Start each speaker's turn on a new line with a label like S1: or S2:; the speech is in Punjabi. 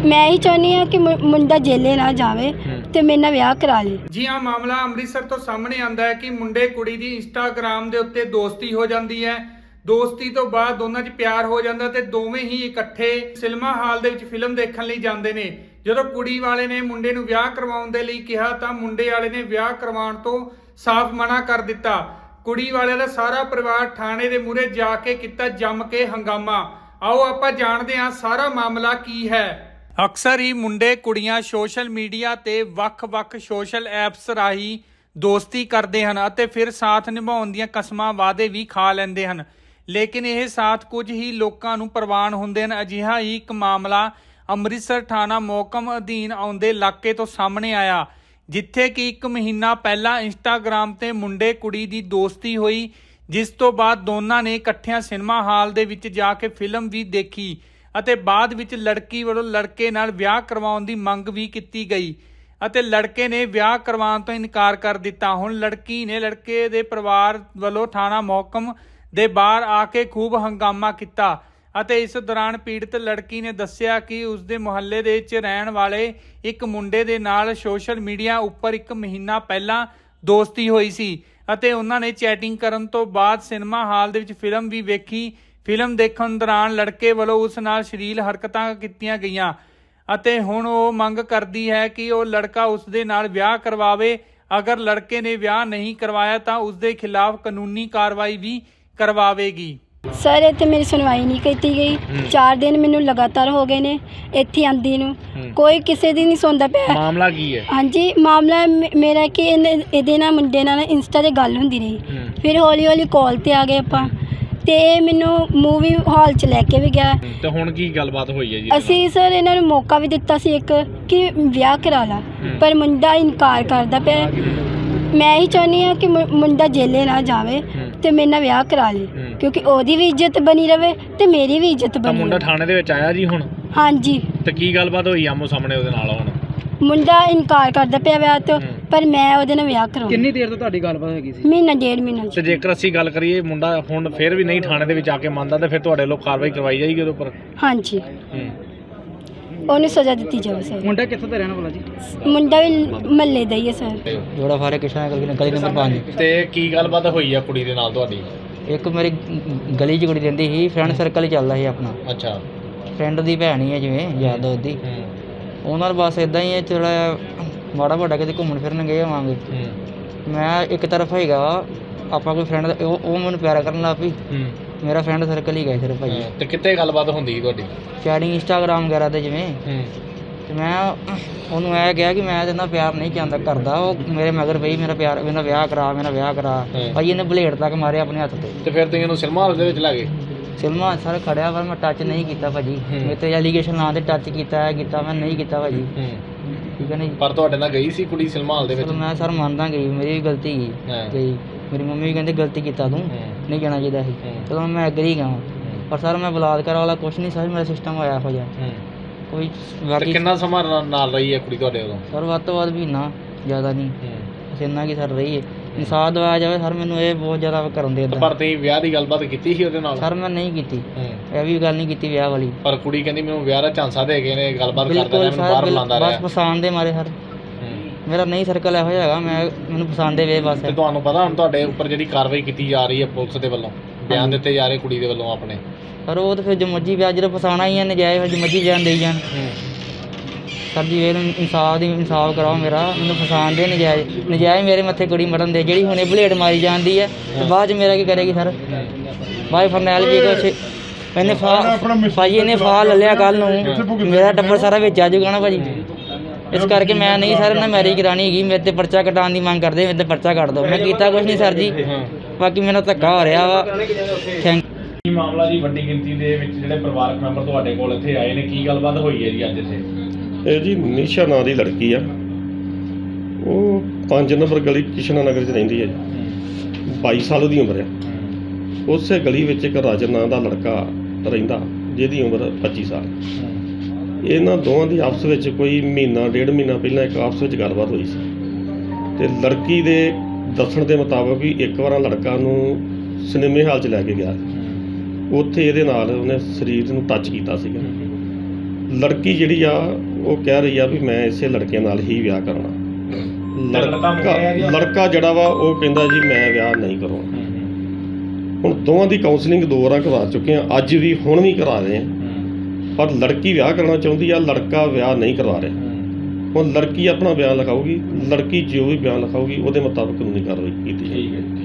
S1: ਮੈਂ ਹੀ ਚਾਹੁੰਦੀ ਹਾਂ ਕਿ ਮੁੰਡਾ ਜੇਲੇ ਨਾ ਜਾਵੇ ਤੇ ਮੇਰੇ ਨਾਲ ਵਿਆਹ ਕਰਾ ਲੇ।
S2: ਜੀ ਹਾਂ, ਮਾਮਲਾ ਅੰਮ੍ਰਿਤਸਰ ਤੋਂ ਸਾਹਮਣੇ ਆਂਦਾ ਹੈ ਕਿ ਮੁੰਡੇ ਕੁੜੀ ਦੀ ਇੰਸਟਾਗ੍ਰਾਮ ਦੇ ਉੱਤੇ ਦੋਸਤੀ ਹੋ ਜਾਂਦੀ ਹੈ। ਦੋਸਤੀ ਤੋਂ ਬਾਅਦ ਦੋਨਾਂ 'ਚ ਪਿਆਰ ਹੋ ਜਾਂਦਾ ਤੇ ਦੋਵੇਂ ਹੀ ਇਕੱਠੇ ਸਿਨੇਮਾ ਹਾਲ ਦੇ ਵਿੱਚ ਫਿਲਮ ਦੇਖਣ ਲਈ ਜਾਂਦੇ ਨੇ। ਜਦੋਂ ਕੁੜੀ ਵਾਲੇ ਨੇ ਮੁੰਡੇ ਨੂੰ ਵਿਆਹ ਕਰਵਾਉਣ ਦੇ ਲਈ ਕਿਹਾ ਤਾਂ ਮੁੰਡੇ ਵਾਲੇ ਨੇ ਵਿਆਹ ਕਰਵਾਉਣ ਤੋਂ ਸਾਫ਼ ਮਨਾ ਕਰ ਦਿੱਤਾ। ਕੁੜੀ ਵਾਲੇ ਦਾ ਸਾਰਾ ਪਰਿਵਾਰ ਥਾਣੇ ਦੇ ਮੂਹਰੇ ਜਾ ਕੇ ਕੀਤਾ ਜੰਮ ਕੇ ਹੰਗਾਮਾ। ਆਓ ਆਪਾਂ ਜਾਣਦੇ ਹਾਂ ਸਾਰਾ ਮਾਮਲਾ ਕੀ ਹੈ। ਅਕਸਰ ਹੀ ਮੁੰਡੇ ਕੁੜੀਆਂ ਸੋਸ਼ਲ ਮੀਡੀਆ ਤੇ ਵੱਖ-ਵੱਖ ਸੋਸ਼ਲ ਐਪਸ ਰਾਹੀਂ ਦੋਸਤੀ ਕਰਦੇ ਹਨ ਅਤੇ ਫਿਰ ਸਾਥ ਨਿਭਾਉਣ ਦੀਆਂ ਕਸਮਾਂ ਵਾਅਦੇ ਵੀ ਖਾ ਲੈਂਦੇ ਹਨ, ਲੇਕਿਨ ਇਹ ਸਾਥ ਕੁਝ ਹੀ ਲੋਕਾਂ ਨੂੰ ਪ੍ਰਵਾਨ ਹੁੰਦੇ ਹਨ। ਅਜਿਹਾ ਹੀ ਇੱਕ ਮਾਮਲਾ ਅੰਮ੍ਰਿਤਸਰ ਥਾਣਾ ਮੋਹਕਮ ਅਧੀਨ ਆਉਂਦੇ ਇਲਾਕੇ ਤੋਂ ਸਾਹਮਣੇ ਆਇਆ, ਜਿੱਥੇ ਕਿ 1 ਮਹੀਨਾ ਪਹਿਲਾਂ ਇੰਸਟਾਗ੍ਰਾਮ ਤੇ ਮੁੰਡੇ ਕੁੜੀ ਦੀ ਦੋਸਤੀ ਹੋਈ, ਜਿਸ ਤੋਂ ਬਾਅਦ ਦੋਨਾਂ ਨੇ ਇਕੱਠਿਆਂ ਸਿਨੇਮਾ ਹਾਲ ਦੇ ਵਿੱਚ ਜਾ ਕੇ ਫਿਲਮ ਵੀ ਦੇਖੀ ਅਤੇ ਬਾਅਦ ਵਿੱਚ ਲੜਕੀ ਵੱਲੋਂ ਲੜਕੇ ਨਾਲ ਵਿਆਹ ਕਰਵਾਉਣ ਦੀ ਮੰਗ ਵੀ ਕੀਤੀ ਗਈ ਅਤੇ ਲੜਕੇ ਨੇ ਵਿਆਹ ਕਰਵਾਉਣ ਤੋਂ ਇਨਕਾਰ ਕਰ ਦਿੱਤਾ। ਹੁਣ ਲੜਕੀ ਨੇ ਲੜਕੇ ਦੇ ਪਰਿਵਾਰ ਵੱਲੋਂ ਥਾਣਾ ਮੋਹਕਮ ਦੇ ਬਾਹਰ ਆ ਕੇ ਖੂਬ ਹੰਗਾਮਾ ਕੀਤਾ ਅਤੇ ਇਸ ਦੌਰਾਨ ਪੀੜਤ ਲੜਕੀ ਨੇ ਦੱਸਿਆ ਕਿ ਉਸਦੇ ਮੁਹੱਲੇ ਦੇ ਵਿੱਚ ਰਹਿਣ ਵਾਲੇ ਇੱਕ ਮੁੰਡੇ ਦੇ ਨਾਲ ਸੋਸ਼ਲ ਮੀਡੀਆ ਉੱਪਰ 1 ਮਹੀਨਾ ਪਹਿਲਾਂ ਦੋਸਤੀ ਹੋਈ ਸੀ ਅਤੇ ਉਹਨਾਂ ਨੇ ਚੈਟਿੰਗ ਕਰਨ ਤੋਂ ਬਾਅਦ ਸਿਨੇਮਾ ਹਾਲ ਦੇ ਵਿੱਚ ਫਿਲਮ ਵੀ ਵੇਖੀ। ਫਿਲਮ ਦੇਖਣ ਦੌਰਾਨ ਲੜਕੇ ਵੱਲੋਂ ਉਸ ਨਾਲ ਅਸ਼ਲੀਲ ਹਰਕਤਾਂ ਕੀਤੀਆਂ ਗਈਆਂ ਅਤੇ ਹੁਣ ਉਹ ਮੰਗ ਕਰਦੀ ਹੈ ਕਿ ਉਹ ਲੜਕਾ ਉਸ ਦੇ ਨਾਲ ਵਿਆਹ ਕਰਵਾਵੇ। ਅਗਰ ਲੜਕੇ ਨੇ ਵਿਆਹ ਨਹੀਂ ਕਰਵਾਇਆ ਤਾਂ ਉਸ ਦੇ ਖਿਲਾਫ ਕਾਨੂੰਨੀ ਕਾਰਵਾਈ ਵੀ ਕਰਵਾਵੇਗੀ।
S1: ਸਰ ਇੱਥੇ ਮੇਰੀ ਸੁਣਵਾਈ ਨਹੀਂ ਕੀਤੀ ਗਈ। 4 ਦਿਨ ਮੈਨੂੰ ਲਗਾਤਾਰ ਹੋ ਗਏ ਨੇ ਇੱਥੇ ਆਂਦੀ ਨੂੰ, ਕੋਈ ਕਿਸੇ ਦੀ ਨਹੀਂ ਸੁਣਦਾ ਪਿਆ।
S3: ਮਾਮਲਾ ਕੀ ਹੈ?
S1: ਹਾਂਜੀ, ਮਾਮਲਾ ਮੇਰਾ ਕਿ ਇਹਦੇ ਨਾਲ ਮੁੰਡੇ ਨਾਲ ਇੰਸਟਾ ਤੇ ਗੱਲ ਹੁੰਦੀ ਰਹੀ, ਫਿਰ ਹੌਲੀ ਹੌਲੀ ਕਾਲ ਤੇ ਆ ਗਏ ਆਪਾਂ ਤੇ ਇਹ ਮੈਨੂੰ ਮੂਵੀ ਹਾਲ 'ਚ ਲੈ ਕੇ ਵੀ ਗਿਆ।
S3: ਤੇ ਹੁਣ ਕੀ ਗੱਲਬਾਤ ਹੋਈ ਹੈ ਜੀ?
S1: ਅਸੀਂ ਸਰ ਇਹਨਾਂ ਨੂੰ ਮੌਕਾ ਵੀ ਦਿੱਤਾ ਸੀ ਇੱਕ ਕਿ ਵਿਆਹ ਕਰਾ ਲਾ, ਪਰ ਮੁੰਡਾ ਇਨਕਾਰ ਕਰਦਾ ਪਿਆ। ਮੈਂ ਹੀ ਚਾਹੁੰਦੀ ਹਾਂ ਕਿ ਮੁੰਡਾ ਜੇਲੇ ਨਾ ਜਾਵੇ ਤੇ ਮੇਰੇ ਨਾਲ ਵਿਆਹ ਕਰਾ ਲੇ, ਕਿਉਂਕਿ ਉਹਦੀ ਵੀ ਇੱਜ਼ਤ ਬਣੀ ਰਵੇ ਤੇ ਮੇਰੀ ਵੀ ਇੱਜ਼ਤ ਬਣੀ।
S3: ਮੁੰਡਾ ਥਾਣੇ ਦੇ ਵਿੱਚ ਆਇਆ ਜੀ ਹੁਣ?
S1: ਹਾਂਜੀ।
S3: ਤੇ ਕੀ ਗੱਲਬਾਤ ਹੋਈ ਆਮੋ ਸਾਹਮਣੇ ਉਹਦੇ ਨਾਲ? ਹੁਣ
S1: ਮੁੰਡਾ ਇਨਕਾਰ ਕਰਦਾ ਪਿਆ ਵਿਆਹ ਤੋਂ, ਪਰ ਮੈਂ ਉਹਦੇ ਨਾਲ ਵਿਆਹ ਕਰਾਉਣਾ।
S4: ਕਿੰਨੀ ਦੇਰ ਤੋਂ ਤੁਹਾਡੀ ਗੱਲਬਾਤ ਹੈਗੀ ਸੀ?
S1: ਮਹੀਨਾ 1.5 ਮਹੀਨਾ।
S3: ਤੇ ਜੇਕਰ ਅਸੀਂ ਗੱਲ ਕਰੀਏ ਮੁੰਡਾ ਹੁਣ ਫਿਰ ਵੀ ਨਹੀਂ ਥਾਣੇ ਦੇ ਵਿੱਚ ਆ ਕੇ ਮੰਨਦਾ ਤੇ ਫਿਰ ਤੁਹਾਡੇ ਲੋਕ ਕਾਰਵਾਈ ਕਰਵਾਈ ਜਾਏਗੀ ਉਹਦੇ ਉੱਪਰ?
S1: ਹਾਂਜੀ, ਉਹਨੂੰ ਸਜ਼ਾ ਦਿੱਤੀ ਜਾਵੇ ਸਰ।
S4: ਮੁੰਡਾ ਕਿੱਥੋਂ ਦਾ ਰਹਿਣ ਵਾਲਾ ਜੀ?
S1: ਮੁੰਡਾ ਵੀ ਮਹੱਲੇ ਦਾ ਹੀ ਹੈ ਸਰ।
S5: ਜੋੜਾ ਫਾਰੇ ਕਿਸ਼ਨਾ ਗਲੀ ਨੰਬਰ 5।
S3: ਤੇ ਕੀ ਗੱਲਬਾਤ ਹੋਈ ਆ ਕੁੜੀ ਦੇ ਨਾਲ ਤੁਹਾਡੀ?
S5: ਇੱਕ ਮੇਰੀ ਗਲੀ 'ਚ ਕੁੜੀ ਰਹਿੰਦੀ ਸੀ, ਫਰੈਂਡ ਸਰਕਲ ਹੀ ਚੱਲਦਾ ਸੀ ਆਪਣਾ।
S3: ਅੱਛਾ।
S5: ਫਰੈਂਡ ਦੀ ਭੈਣ ਹੀ ਹੈ ਜਿਵੇਂ ਯਾਰ ਦੋਸਤ ਦੀ। ਉਹਨਾਂ ਨਾਲ ਬਸ ਇਦਾਂ ਹੀ ਹੈ, ਥੋੜ੍ਹਾ ਮਾੜਾ ਮੋਟਾ ਕਿਤੇ ਘੁੰਮਣ ਫਿਰਨ ਗਏ ਹੋਵਾਂਗੇ। ਮੈਂ ਇੱਕ ਤਰਫ ਹੈਗਾ ਆਪਾਂ ਕੋਈ ਫਰੈਂਡ ਉਹ ਮੈਨੂੰ ਪਿਆਰ ਕਰਨ ਲੱਗ ਪਈ। ਮੇਰਾ ਫਰੈਂਡ ਸਰਕਲ ਹੀ ਗਿਆ ਸਿਰਫ ਭਾਜੀ।
S3: ਤੇ ਕਿੱਥੇ ਗੱਲਬਾਤ ਹੁੰਦੀ ਤੁਹਾਡੀ?
S5: ਚੈਟਿੰਗ ਇੰਸਟਾਗ੍ਰਾਮ ਵਗੈਰਾ ਤੇ ਜਿਵੇਂ। ਤੇ ਮੈਂ ਉਹਨੂੰ ਇਹ ਕਿਹਾ ਕਿ ਮੈਂ ਇਹਦੇ ਨਾਲ ਪਿਆਰ ਨਹੀਂ ਚਾਹੁੰਦਾ ਕਰਦਾ। ਉਹ ਮੇਰੇ ਮਗਰ ਪਈ ਮੇਰਾ ਵਿਆਹ ਕਰਾ ਭਾਜੀ। ਇਹਨੇ ਬਲੇਡ ਤੱਕ ਮਾਰਿਆ ਆਪਣੇ ਹੱਥ ਤੇ।
S3: ਤੇ ਫਿਰ ਤੁਸੀਂ ਇਹਨੂੰ ਸਿਨੇਮਾ ਹਾਲ ਦੇ ਵਿੱਚ ਲੈ ਗਏ?
S5: ਸਿਨੇਮਾ ਸਰ ਖੜਿਆ ਪਰ ਮੈਂ ਟੱਚ ਨਹੀਂ ਕੀਤਾ ਭਾਜੀ। ਮੇਰੇ ਤੇ ਐਲੀਗੇਸ਼ਨ ਨਾਂ ਤੇ ਟੱਚ ਕੀਤਾ ਮੈਂ ਨਹੀਂ ਕੀਤਾ ਭਾਜੀ। ਠੀਕ ਹੈ ਨਹੀਂ।
S3: ਪਰ ਤੁਹਾਡੇ ਨਾਲ ਗਈ ਸੀ ਕੁੜੀ ਸਿਨੇਮਾ ਹਾਲ ਦੇ ਵਿੱਚ?
S5: ਮੈਂ ਸਰ ਮੰਨਦਾ ਗਈ, ਮੇਰੀ ਵੀ ਗਲਤੀ ਗਈ। ਮੇਰੀ ਮੰਮੀ ਵੀ ਕਹਿੰਦੇ ਗਲਤੀ ਕੀਤਾ ਤੂੰ, ਨਹੀਂ ਜਾਣਾ ਚਾਹੀਦਾ ਸੀ। ਚਲੋ ਮੈਂ ਐਗਰੀ ਗਿਆ, ਪਰ ਸਰ ਮੈਂ ਬਲਾਤਕਾਰ ਵਾਲਾ ਕੁਛ ਨਹੀਂ ਸਰ, ਮੇਰਾ ਸਿਸਟਮ ਹੋਇਆ ਇਹੋ ਜਿਹਾ ਕੋਈ। ਬਾਕੀ
S3: ਕਿੰਨਾ ਸਮਾਂ ਨਾਲ ਰਹੀ ਹੈ ਕੁੜੀ ਤੁਹਾਡੇ ਉਦੋਂ?
S5: ਸਰ ਵੱਧ ਤੋਂ ਵੱਧ ਮਹੀਨਾ, ਜ਼ਿਆਦਾ ਨਹੀਂ, ਬਸ ਇੰਨਾ ਕੀ ਸਰ ਰਹੀ ਹੈ। ਇਨਸਾਫ ਦਿਵਾਇਆ ਜਾਵੇ ਸਰ, ਮੈਨੂੰ ਇਹ ਬਹੁਤ ਜ਼ਿਆਦਾ ਕਰਨ ਦੇ।
S3: ਪਰ ਤੁਸੀਂ ਵਿਆਹ ਦੀ ਗੱਲਬਾਤ ਕੀਤੀ ਸੀ ਉਹਦੇ ਨਾਲ?
S5: ਸਰ ਮੈਂ ਨਹੀਂ ਕੀਤੀ, ਇਹ ਵੀ ਗੱਲ ਨਹੀਂ ਕੀਤੀ ਵਿਆਹ ਵਾਲੀ।
S3: ਪਰ ਕੁੜੀ ਕਹਿੰਦੀ ਮੈਨੂੰ ਵਿਆਹ ਦਾ ਝਾਂਸਾ ਦੇ ਗਏ ਨੇ, ਗੱਲਬਾਤ ਕਰਦੇ ਨੇ, ਮੈਨੂੰ ਬਾਹਰ ਬੁਲਾਉਂਦਾ ਰਿਹਾ।
S5: ਬਸ ਪਸੰਦ ਦੇ ਮਾਰੇ ਸਰ, ਮੇਰਾ ਨਹੀਂ ਸਰਕਲ ਇਹੋ ਜਿਹਾ ਹੈਗਾ, ਮੈਨੂੰ ਪਸੰਦ ਦੇ ਵੇ ਬਸ।
S3: ਤੇ ਤੁਹਾਨੂੰ ਪਤਾ ਹੁਣ ਤੁਹਾਡੇ ਉੱਪਰ ਜਿਹੜੀ ਕਾਰਵਾਈ ਕੀਤੀ ਜਾ ਰਹੀ ਹੈ ਪੁਲਿਸ ਦੇ ਵੱਲੋਂ, ਬਿਆਨ ਦਿੱਤੇ ਜਾ ਰਹੇ ਕੁੜੀ ਦੇ ਵੱਲੋਂ ਆਪਣੇ?
S5: ਸਰ ਉਹ ਤਾਂ ਫਿਰ ਜੋ ਮਰਜ਼ੀ ਵਿਆਹ ਜਦੋਂ ਫਸਾਉਣਾ ਹੀ ਹੈ, ਨਜਾਇਜ਼ ਫਿਰ ਜੋ ਮਰਜ਼ੀ ਬਿਆਨ ਦੇਈ ਜਾਣ। ਸਰ ਜੀ ਇਹ ਇਨਸਾਫ ਕਰਾਓ ਮੇਰਾ, ਮੈਨੂੰ ਫਸਾਉਣ ਦੇ ਨਜਾਇਜ਼ ਮੇਰੇ ਮੱਥੇ ਕੁੜੀ ਮਰਨ ਦੇ। ਜਿਹੜੀ ਹੁਣੇ ਬਲੇਡ ਮਾਰੀ ਜਾਂਦੀ ਹੈ ਤੇ ਬਾਅਦ 'ਚ ਮੇਰਾ ਕੀ ਕਰੇਗੀ ਸਰ? ਬਾਈ ਫਰਨੈਲ ਵੀ ਕੁਛ ਇਹਨੇ ਭਾਜੀ ਇਹਨੇ ਫਾਹ ਲੈ ਲਿਆ ਕੱਲ੍ਹ ਨੂੰ, ਮੇਰਾ ਟੱਬਰ ਸਾਰਾ ਵਿੱਚ ਆ ਜਾਊਗਾ ਨਾ ਭਾਜੀ। ਇਸ ਕਰਕੇ ਮੈਂ ਨਹੀਂ ਸਰ ਇਹਨਾਂ ਮੈਰਿਜ ਕਰਾਉਣੀ ਹੈਗੀ। ਮੇਰੇ 'ਤੇ ਪਰਚਾ ਕਟਾਉਣ ਦੀ ਮੰਗ ਕਰਦੇ, ਮੇਰੇ 'ਤੇ ਪਰਚਾ ਕੱਟ ਦਿਓ। ਮੈਂ ਕੀਤਾ ਕੁਛ ਨਹੀਂ ਸਰ ਜੀ, ਬਾਕੀ ਮੈਨੂੰ ਧੱਕਾ ਹੋ ਰਿਹਾ ਵਾ। ਥੈਂਕ
S3: ਕੀ ਮਾਮਲਾ ਜੀ? ਵੱਡੀ ਗਿਣਤੀ ਦੇ ਵਿੱਚ ਜਿਹੜੇ ਪਰਿਵਾਰਕ ਮੈਂਬਰ ਤੁਹਾਡੇ ਕੋਲ ਇੱਥੇ ਆਏ ਨੇ, ਕੀ ਗੱਲਬਾਤ ਹੋਈ ਹੈ ਜੀ ਅੱਜ ਇੱਥੇ?
S6: ਇਹ ਜੀ ਨਿਸ਼ਾ ਨਾਂ ਦੀ ਲੜਕੀ ਆ, ਉਹ 5 ਨੰਬਰ ਗਲੀ ਕਿਸ਼ਨਾ ਨਗਰ 'ਚ ਰਹਿੰਦੀ ਹੈ ਜੀ। 22 ਸਾਲ ਦੀ ਉਮਰ ਆ। ਉਸੇ ਗਲੀ ਵਿੱਚ ਇੱਕ ਰਾਜਨ ਨਾਂ ਦਾ ਲੜਕਾ ਰਹਿੰਦਾ, ਜਿਹਦੀ ਉਮਰ 25 ਸਾਲ। ਇਹਨਾਂ ਦੋਵਾਂ ਦੀ ਆਪਸ ਵਿੱਚ ਕੋਈ ਮਹੀਨਾ 1.5 ਮਹੀਨਾ ਪਹਿਲਾਂ ਇੱਕ ਆਪਸ ਵਿੱਚ ਗੱਲਬਾਤ ਹੋਈ ਸੀ ਤੇ ਲੜਕੀ ਦੇ ਦੱਸਣ ਦੇ ਮੁਤਾਬਕ ਵੀ ਇੱਕ ਵਾਰ ਲੜਕਾ ਨੂੰ ਸਿਨੇਮੇ ਹਾਲ 'ਚ ਲੈ ਕੇ ਗਿਆ। ਉੱਥੇ ਇਹਦੇ ਨਾਲ ਉਹਨੇ ਸਰੀਰ ਨੂੰ ਟੱਚ ਕੀਤਾ ਸੀਗਾ। ਲੜਕੀ ਜਿਹੜੀ ਆ ਉਹ ਕਹਿ ਰਹੀ ਆ ਵੀ ਮੈਂ ਇਸੇ ਲੜਕੇ ਨਾਲ ਹੀ ਵਿਆਹ ਕਰਨਾ। ਲੜਕਾ ਜਿਹੜਾ ਵਾ ਉਹ ਕਹਿੰਦਾ ਜੀ ਮੈਂ ਵਿਆਹ ਨਹੀਂ ਕਰਾਉਣਾ। ਹੁਣ ਦੋਵਾਂ ਦੀ ਕਾਉਂਸਲਿੰਗ 2 ਵਾਰਾਂ ਕਰਵਾ ਚੁੱਕੇ ਆ, ਅੱਜ ਵੀ ਹੁਣ ਵੀ ਕਰਾ ਰਹੇ ਆ, ਪਰ ਲੜਕੀ ਵਿਆਹ ਕਰਨਾ ਚਾਹੁੰਦੀ ਆ, ਲੜਕਾ ਵਿਆਹ ਨਹੀਂ ਕਰਵਾ ਰਿਹਾ। ਹੁਣ ਲੜਕੀ ਆਪਣਾ ਬਿਆਨ ਲਿਖਾਊਗੀ, ਲੜਕੀ ਜੋ ਵੀ ਬਿਆਨ ਲਿਖਾਊਗੀ ਉਹਦੇ ਮੁਤਾਬਕ ਕਾਨੂੰਨੀ ਕਾਰਵਾਈ ਕੀਤੀ ਜਾਏਗੀ।